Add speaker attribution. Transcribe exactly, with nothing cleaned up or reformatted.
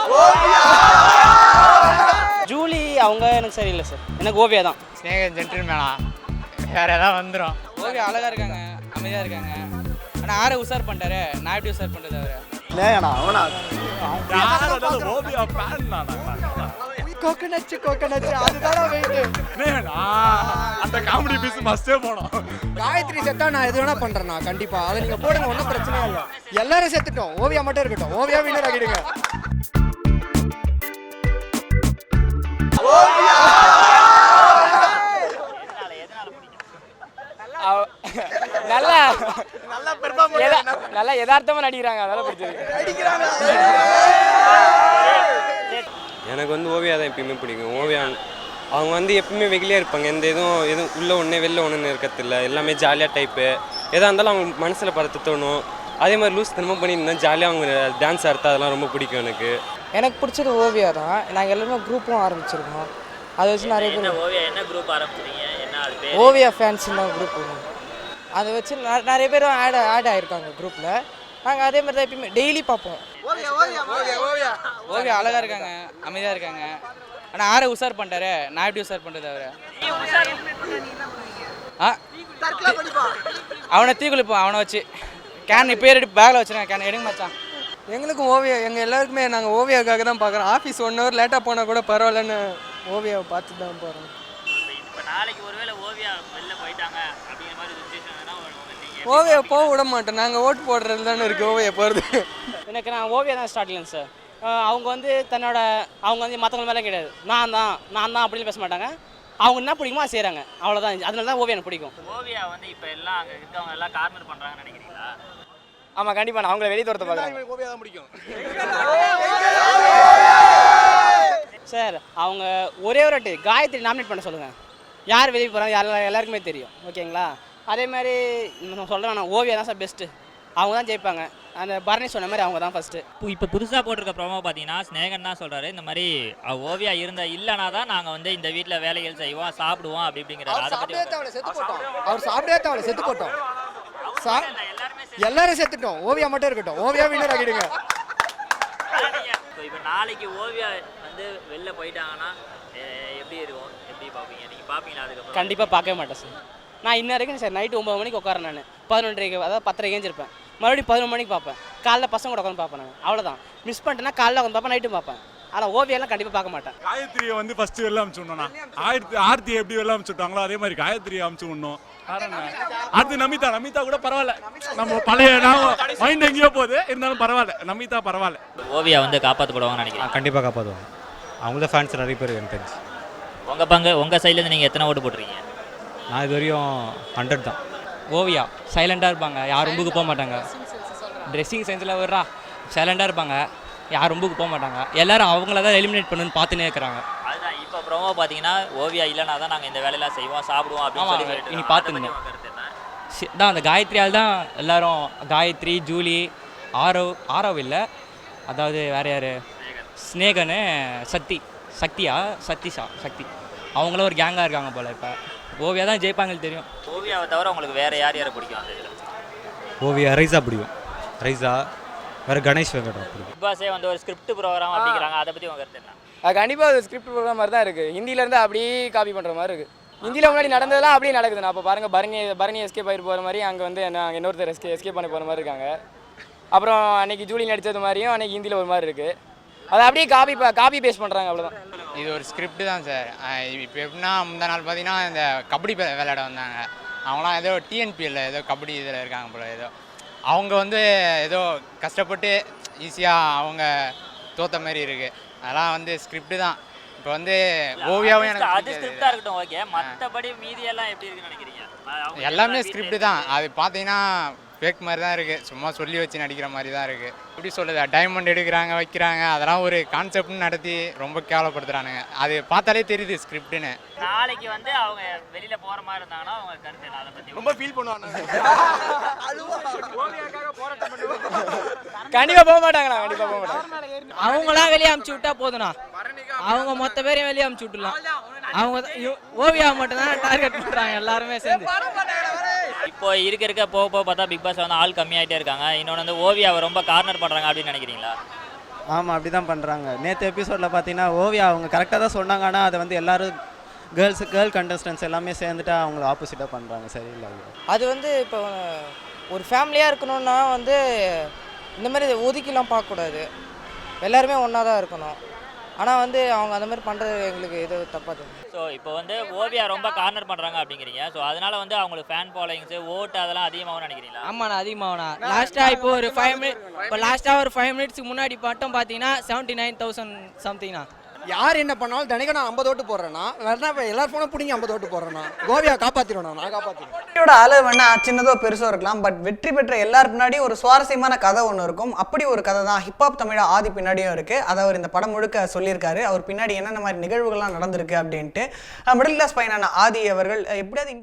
Speaker 1: Julie அவங்க எனக்கு சரியில்லை சார், எனக்கு ஓவியா தான்.
Speaker 2: ஸ்நேகன் ஜென்டில்மேனா வேற ஏதாவது வந்துடும்.
Speaker 3: ஓவியா அழகா இருக்காங்க, அமைதியா இருக்காங்க. ஆனால் ஆரை உசார் பண்ணிட்டாரு, நான் எப்படி உசார் பண்ணுறது அவரை?
Speaker 4: ஸ்நேகனா அவனா
Speaker 5: ஓவியா ஃபேன் நானா?
Speaker 4: கோகனட் கோகனட் அதுதான் வெயிட்.
Speaker 5: ஸ்நேகனா அந்த காமெடி பீஸ் மஸ்டே போணும்.
Speaker 4: காயத்ரி செத்தா நான் எது வேணா பண்றேன்னா கண்டிப்பா அதை நீங்க போடுங்க, ஒன்றும் பிரச்சனையே இல்லை. எல்லாரும் செத்துட்டோம், ஓவியா மட்டும் இருக்கட்டும். ஓவியா வின்னர் ஆகிடுங்க.
Speaker 1: நல்லா நல்லா யதார்த்தமா நடிக்கிறாங்க, அதெல்லாம் பிடிச்சது.
Speaker 6: எனக்கு வந்து ஓவியா தான் எப்பயுமே பிடிக்கும். ஓவியா அவங்க வந்து எப்பயுமே வெகுலியாக இருப்பாங்க, எந்த எதுவும் எதுவும் உள்ளே ஒன்று வெளில ஒன்றுன்னு இருக்கிறதில்ல, எல்லாமே ஜாலியாக டைப்பு. எதாக இருந்தாலும் அவங்க மனசில் படுத்த தோணும். அதே மாதிரி லூஸ் தனமாக பண்ணியிருந்தேன், ஜாலியாக அவங்க டான்ஸ் ஆடுறது அதெல்லாம் ரொம்ப பிடிக்கும் எனக்கு.
Speaker 7: எனக்கு பிடிச்சது ஓவியா தான். நாங்கள் எல்லாருமே குரூப்பும் ஆரம்பிச்சிருக்கோம். அதை வச்சு நிறைய பேர்
Speaker 8: ஓவியா என்ன குரூப் ஆரம்பிச்சிருக்கீங்க? என்ன அது பேர்?
Speaker 7: ஓவியா ஃபேன்ஸ்னு குரூப். அதை வச்சு நிறைய பேரும் ஆட் ஆட் ஆகிருக்காங்க குரூப்பில். நாங்கள் அதே மாதிரி தான் எப்பயுமே டெய்லி பார்ப்போம்.
Speaker 3: ஓவியா அழகா இருக்காங்க, அமைதியா இருக்காங்க. ஆனால் ஆரை உசார் பண்ணிட்டாரு, நான் எப்படி உசார் பண்ணுறது அவரை? ஆ அவனை தீ குளிப்போம், அவனை வச்சு கேன் இப்போ எடுத்து பேக்கில் வச்சுருக்கேன். கேன் எடுங்க மச்சான்.
Speaker 7: எங்களுக்கும் ஓவியா, எங்கள் எல்லாருக்குமே நாங்கள் ஓவியாவுக்காக தான் பார்க்குறோம். ஆஃபீஸ் ஒன் ஹவர் லேட்டாக போனால் கூட பரவாயில்லன்னு ஓவியாவை பார்த்து தான் போகிறோம்.
Speaker 8: இப்போ நாளைக்கு ஒருவேளை ஓவியா வெளில போயிட்டாங்க அப்படிங்கிற மாதிரி சுச்சுவேஷன்
Speaker 7: ஓவியா போக விட மாட்டோம். நாங்கள் ஓட்டு போடுறது தானே இருக்குது ஓவியா போகிறது.
Speaker 1: எனக்கு நான் ஓவியா தான் ஸ்டார்டிங் சார். அவங்க வந்து தன்னோட அவங்க வந்து மற்றவங்க மேலே கிடையாது, நான் தான் நான் தான் அப்படின்னு பேச மாட்டாங்க. அவங்க என்ன பிடிக்குமோ அதை செய்கிறாங்க, அவ்வளோதான். அதனால தான் ஓவியா எனக்கு பிடிக்கும்.
Speaker 8: ஓவியா வந்து இப்போ எல்லாம் அங்கே இருக்கவங்க எல்லாம் கார்னர் பண்ணுறாங்கன்னு நினைக்கிறீங்களா?
Speaker 1: ஆமாம், கண்டிப்பாக நான் அவங்கள வெளியே துரத்த பார்க்குறேன்.
Speaker 4: ஓவியா தான் பிடிக்கும்
Speaker 1: சார். அவங்க ஒரே ஒரு வாட்டி காயத்ரி நாமினேட் பண்ண சொல்லுங்கள், யார் வெளியே போகிறாங்க யார் எல்லாருக்குமே தெரியும். ஓகேங்களா? அதே மாதிரி நான் சொல்கிறேன், நான் ஓவியா தான் சார் பெஸ்ட்டு. அவங்க தான் ஜெயிப்பாங்க. அந்த பரணி சொன்ன மாதிரி அவங்க தான் ஃபஸ்ட்டு.
Speaker 8: இப்போ புதுசாக போட்டிருக்க ப்ரோமோ பார்த்தீங்கன்னா ஸ்நேகன் தான் சொல்கிறாரு, இந்த மாதிரி ஓவியா இருந்த இல்லைனா தான் நாங்கள் வந்து இந்த வீட்டில் வேலைகள் செய்வோம், சாப்பிடுவோம் அப்படி அப்படிங்கிறாரு. அதை பற்றி
Speaker 4: செத்து போட்டோம். அவர் சாப்பிட்டே தேவை செத்து போட்டோம். எல்லாரும் செத்துட்டோம், ஓவியா மட்டும் இருக்கட்டும். ஓவியா வின்னர் ஆகிடுங்க.
Speaker 8: இப்போ நாளைக்கு ஓவியா வந்து வெளில போயிட்டாங்கன்னா எப்படி இருக்கும், எப்படி பார்ப்பீங்க? நீங்கள் பார்ப்பீங்களா? அதுக்கப்புறம்
Speaker 1: கண்டிப்பாக பார்க்கவே மாட்டேன் சார். நான் இன்ன வரைக்கும் சார் நைட்டு ஒம்பது மணிக்கு உட்காரேன், நான் பதினொன்றரைக்கு அதாவது பத்தரைக்கு ஏஞ்சிருப்பேன். மறுபடியும் பதினொன்று மணிக்கு பார்ப்பேன். காலைல பசங்க கூட உட்காந்து பார்ப்பேன். நான் அவ்வளோதான். மிஸ் பண்ணிட்டேன்னா காலைல உட்காந்து பார்ப்பேன், நைட்டும் பார்ப்பேன். ஆனால் ஓவியெல்லாம் கண்டிப்பாக பார்க்க மாட்டேன்.
Speaker 5: காயத்ரியை வந்து ஃபர்ஸ்ட் வெளில அனுப்பிச்சு விடணும்னா, ஆயிரத்தி ஆர்த்தி எப்படி வெளில அனுப்பிச்சு விட்டாங்களோ அதே மாதிரி காயத்ரியை அனுப்பிச்சு விடணும். அது நமிதா நமிதா கூட பரவாயில்ல, நம்ம பழைய மைண்ட் எங்கேயோ போகுது, இருந்தாலும் பரவாயில்ல. நமிதா பரவாயில்ல.
Speaker 8: ஓவியா வந்து காப்பாற்றப்படுவாங்கன்னு நினைக்கிறேன்.
Speaker 9: கண்டிப்பாக காப்பாற்றுவாங்க. அவங்கள ஃபேன்ஸ் நிறைய பேர் எனக்கு தெரிஞ்சு.
Speaker 8: உங்கள் பங்கு உங்கள் சைட்லேருந்து நீங்கள் எத்தனை ஓட்டு போட்டுருக்கீங்க?
Speaker 9: நான் இது வரையும் ஹண்ட்ரட் தான்.
Speaker 1: ஓவியா சைலண்டாக இருப்பாங்க, யார் ரொம்புக்கு போக மாட்டாங்க. ட்ரெஸ்ஸிங் சென்ஸில் வர்றா சைலண்டாக இருப்பாங்க, யார் ரொம்புக்கு போக மாட்டாங்க. எல்லாரும் அவங்கள தான் எலிமினேட் பண்ணுன்னு பார்த்துன்னே இருக்கிறாங்க.
Speaker 8: அதுதான் இப்போ ப்ரோமோ பார்த்தீங்கன்னா ஓவியா இல்லைனா தான் நாங்கள் இந்த வேலையெல்லாம் செய்வோம், சாப்பிடுவோம் அப்படின்னு சொல்லி
Speaker 1: இனி பார்த்துக்கணும் தான். அந்த காயத்ரியால் தான் எல்லாரும், காயத்ரி, ஜூலி, ஆரவ் ஆரவ் இல்லை, அதாவது வேறு யார், ஸ்நேகனு, சக்தி சக்தியா சக்திஷா சக்தி, அவங்களும் ஒரு கேங்காக இருக்காங்க போல். இப்போ ஓவியா தான் ஜெயிப்பாங்கன்னு தெரியும்.
Speaker 8: ஓவியாவை தவிர உங்களுக்கு வேறு யார் யாரை பிடிக்கும் அந்த இதில்?
Speaker 9: ஓவியா ரைஸா பிடிக்கும். ரைஸா வேறு கணேஷ் வெங்கடம் பிடிக்கும்.
Speaker 8: பிக் பாஸே வந்து ஒரு ஸ்கிரிப்ட் ப்ரோக்ராம் அப்படிங்கிறாங்க, அதை பற்றி உங்கள் கருத்து என்ன?
Speaker 7: அது கண்டிப்பாக அது ஸ்கிரிப்ட் ப்ரோக்ராம் மாதிரி தான் இருக்குது. ஹிந்தியிலேருந்து அப்படியே காப்பி பண்ணுற மாதிரி இருக்குது. ஹிந்தியில் முன்னாடி நடந்ததெல்லாம் அப்படியே நடக்குது. நான் அப்போ பாருங்கள், பரணி பரணி எஸ்கேப் ஆகிட்டு போகிற மாதிரி, அங்கே வந்து நாங்கள் இன்னொருத்தர் எஸ்கே எஸ்கேப் பண்ணி போகிற மாதிரி இருக்காங்க. அப்புறம் அன்றைக்கி ஜூலி நடித்தது மாதிரியும் அன்றைக்கி ஹிந்தியில் ஒரு மாதிரி இருக்குது. அதை அப்படியே காப்பி காப்பி பேஸ்ட் பண்ணுறாங்க, அவ்வளோதான்.
Speaker 2: இது ஒரு ஸ்கிரிப்ட் தான் சார். இப்போ எப்படின்னா முந்தா நாள் பார்த்தீங்கன்னா இந்த கபடி விளையாட வந்தாங்க. அவங்களாம் ஏதோ டிஎன்பிஎல்ல ஏதோ கபடி இதில் இருக்காங்க போல. ஏதோ அவங்க வந்து ஏதோ கஷ்டப்பட்டு ஈஸியாக அவங்க தோற்ற மாதிரி இருக்குது. அதெல்லாம் வந்து ஸ்கிரிப்ட் தான். இப்போ வந்து ஓவியாவும் எனக்கு
Speaker 8: அது ஸ்கிரிப்டாக இருக்கட்டும், ஓகே. மற்றபடி மீதியெல்லாம் எப்படி இருக்குன்னு நினைக்கிறீங்க?
Speaker 2: எல்லாமே ஸ்கிரிப்ட் தான். அது பார்த்தீங்கன்னா ஃபேக் மாதிரி தான் இருக்குது, சும்மா சொல்லி வச்சு நடிக்கிற மாதிரி தான் இருக்குது. எப்படி சொல்லுது, டைமண்ட் எடுக்கிறாங்க வைக்கிறாங்க, அதெல்லாம் ஒரு கான்செப்ட்னு நடத்தி ரொம்ப கேவலப்படுத்துகிறானுங்க. அது பார்த்தாலே தெரியுது ஸ்கிரிப்டுன்னு.
Speaker 8: நாளைக்கு வந்து அவங்க வெளியில் போகிற மாதிரி இருந்தாங்கன்னா அவங்க கருத்து என்ன? அதை பற்றி
Speaker 4: ரொம்ப ஃபீல் பண்ணுவாங்க.
Speaker 7: கண்டிப்பாக போக மாட்டாங்களா? கண்டிப்பாக போக மாட்டாங்க.
Speaker 1: அவங்களாம் வெளியே அமுச்சு விட்டா போதுண்ணா, அவங்க மொத்த பேரையும் வெளியே அமுச்சு விட்டுலாம். அவங்க ஓவியா மட்டும் தான் டார்கெட் பண்ணுறாங்க எல்லாருமே சேர்ந்து.
Speaker 8: இப்போ இருக்க இருக்க போக போக பார்த்தா பிக் பாஸ்ல வந்து ஆள் கம்மியாகிட்டே இருக்காங்க. இன்னொன்று வந்து ஓவியாவை ரொம்ப கார்னர் பண்ணுறாங்க அப்படின்னு நினைக்கிறீங்களா?
Speaker 3: ஆமாம் அப்படி தான் பண்ணுறாங்க. நேற்று எபிசோடில் பார்த்தீங்கன்னா ஓவியா அவங்க கரெக்டாக தான் சொன்னாங்க, ஆனால் அதை வந்து எல்லோரும் கேர்ள்ஸு கேர்ள் கண்டஸ்டன்ஸ் எல்லாமே சேர்ந்துட்டு அவங்கள ஆப்போசிட்டாக பண்ணுறாங்க. சரியில்லை.
Speaker 10: அது வந்து இப்போ ஒரு ஃபேமிலியாக இருக்கணும்னா வந்து இந்த மாதிரி ஒதுக்கிலாம் பார்க்கக்கூடாது, எல்லாருமே ஒன்றா தான் இருக்கணும். ஆனால் வந்து அவங்க அந்த மாதிரி பண்ணுறது எங்களுக்கு இது தப்பாக தெரியும்.
Speaker 8: ஸோ இப்போ வந்து ஓவியா ரொம்ப கார்னர் பண்ணுறாங்க அப்படிங்கிறீங்க. ஸோ அதனால வந்து அவங்களுக்கு ஃபேன் ஃபாலோயிங்ஸு ஓட்டு அதெல்லாம் அதிகமாகவும் நினைக்கிறீங்களா?
Speaker 10: ஆமாண்ணா அதிகமாகண்ணா. லாஸ்ட்டாக இப்போ ஒரு ஃபைவ் மினிட் இப்போ லாஸ்ட்டாக ஒரு ஃபைவ் மினிட்ஸ்க்கு முன்னாடி மட்டும் பார்த்தீங்கன்னா செவன்ட்டி நைன் தௌசண்ட் சம்திங்ண்ணா.
Speaker 4: யார் என்ன பண்ணாலும் தினைக்கும் நான் ஐம்பது ஓட்டு போடுறேன்னா வேணா இப்போ எல்லாரும் ஃபோனும் பிடிங்கி ஐம்பது ஓட்டு போடுறேன்னா கோவியா காப்பாற்றிடுவேன், நான் காப்பாற்றிடுவேன்.
Speaker 11: வெற்றியோட அளவு வேணா சின்னதோ பெருசோ இருக்கலாம், பட் வெற்றி பெற்ற எல்லாரு பின்னாடியும் ஒரு சுவாரஸ்யமான கதை ஒன்று இருக்கும். அப்படி ஒரு கதை தான் ஹிப்ஹாப் தமிழா ஆதி பின்னாடியும் இருக்கு. அதை அவர் இந்த படம் முழுக்க சொல்லியிருக்காரு. அவர் பின்னாடி என்னென்ன மாதிரி நிகழ்வுகள்லாம் நடந்திருக்கு அப்படின்ட்டு. மிடில் கிளாஸ் பையனான ஆதி அவர்கள் எப்படியாவது